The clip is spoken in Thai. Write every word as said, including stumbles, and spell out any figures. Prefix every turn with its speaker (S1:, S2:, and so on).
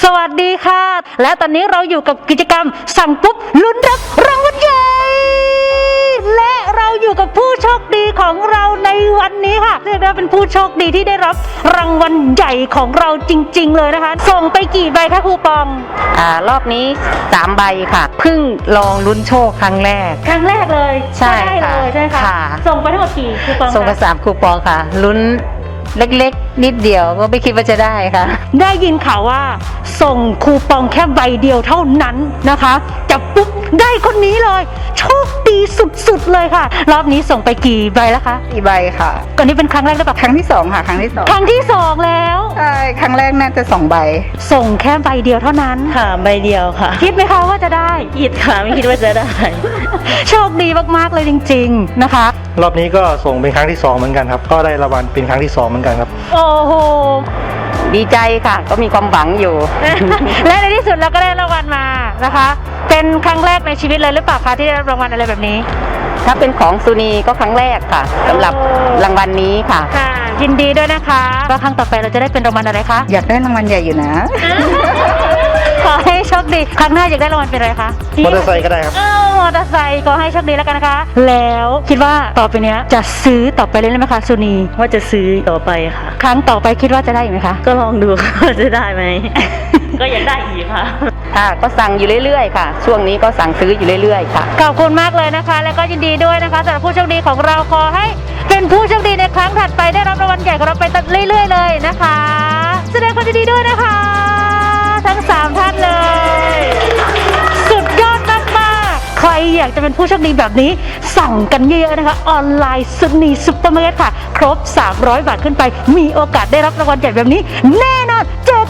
S1: สวัสดีค่ะและตอนนี้เราอยู่กับกิจกรรมสั่งปุ๊บลุ้นรับรางวัลใหญ่และเราอยู่กับผู้โชคดีของเราในวันนี้ค่ะเรียกได้ว่าเป็นผู้โชคดีที่ได้รับรางวัลใหญ่ของเราจริงๆเลยนะคะส่งไปกี่ใบคะครูปอง
S2: อ่ารอบนี้สามใบค่ะเพิ่งลองลุ้นโชคครั้งแรก
S1: ครั้งแรกเลย
S2: ใช่
S1: เลยใช่ไหมคะส่งไปทั้งหมดกี่คูปอง
S2: ส่งไปสามคูปองค่ะลุ้นเล็กๆนิดเดียวก็ไม่คิดว่าจะได้ค่ะ
S1: ได้ยินข่าวว่าส่งคูปองแค่ใบเดียวเท่านั้นนะคะจับปุ๊บได้คนนี้เลยโชคดีสุดๆเลยค่ะรอบนี้ส่งไปกี่ใบแล้วคะ
S2: สี่ใบค่ะ
S1: ก่อนนี้เป็นครั้งแรกหรือเปล่า
S2: ครั้งที่สองค่ะครั้งที่สอง
S1: ครั้งที่สองแล้ว
S2: ใช่ครั้งแรกน่าจะสองใบ
S1: ส่งแค่ใบเดียวเท่านั้น
S3: ค่ะใบเดียวค่ะ
S1: คิดไหมคะว่าจะได้
S3: คิดค่ะไม่คิดว่าจะได้
S1: โชคดีมากๆเลยจริงๆนะคะ
S4: รอบนี้ก็ส่งเป็นครั้งที่สองเหมือนกันครับก็ได้รางวัลเป็นครั้งที่สองเหมือนกันครับ
S1: โอ้โห
S2: ดีใจค่ะก็มีความหวังอยู่
S1: และในที่สุดเราก็ได้รางวัลมานะคะเป็นครั้งแรกในชีวิตเลยหรือเปล่าคะที่ได้รับรางวัลอะไรแบบนี้
S2: ถ้าเป็นของซูนีก็ครั้งแรกค่ะสำหรับรางวัลนี้ค่ะ
S1: ค่ะยินดีด้วยนะคะว่าครั้งต่อไปเราจะได้เป็นรางวัลอะไรคะ
S2: อยากได้รางวัลใหญ่อยู่นะ
S1: ขอให้โชคดีครั้งหน้าอยากได้รางวัลเป็นอะไรคะ
S4: มอเตอร์ไซค์ก็ได้ครับ
S1: มอเตอร์ไซค์ขอให้โชคดีแล้วกันนะคะแล้วคิดว่าต่อไปเนี้ยจะซื้อต่อไปเรื่อยๆไหมคะซูนี
S3: ว่าจะซื้อต่อไปค่ะ
S1: ครั้งต่อไปคิดว่าจะได้ไหมคะ
S3: ก็ลองดูว่าจะได้ไหม ก็อยากได้อีกค่ะ
S2: ค่ะก็สั่งอยู่เรื่อยๆค่ะช่วงนี้ก็สั่งซื้ออยู่เรื่อยๆค่ะ
S1: ขอบคุณมากเลยนะคะแล้วก็ยินดีด้วยนะคะสำหรับผู้โชคดีของเราขอให้เป็นผู้โชคดีในครั้งถัดไปได้รับรางวัลใหญ่ของเราไปเรื่อยๆเลยนะคะแสดงความยินดีด้วยนะคะทั้งสามท่านเลยสุดยอดมากๆใครอยากจะเป็นผู้โชคดีแบบนี้สั่งกันเยอะๆนะคะออนไลน์ซูนีซุปเปอร์มาร์เก็ตค่ะครบสามร้อยบาทขึ้นไปมีโอกาสได้รับรางวัลใหญ่แบบนี้แน่นอนเจอ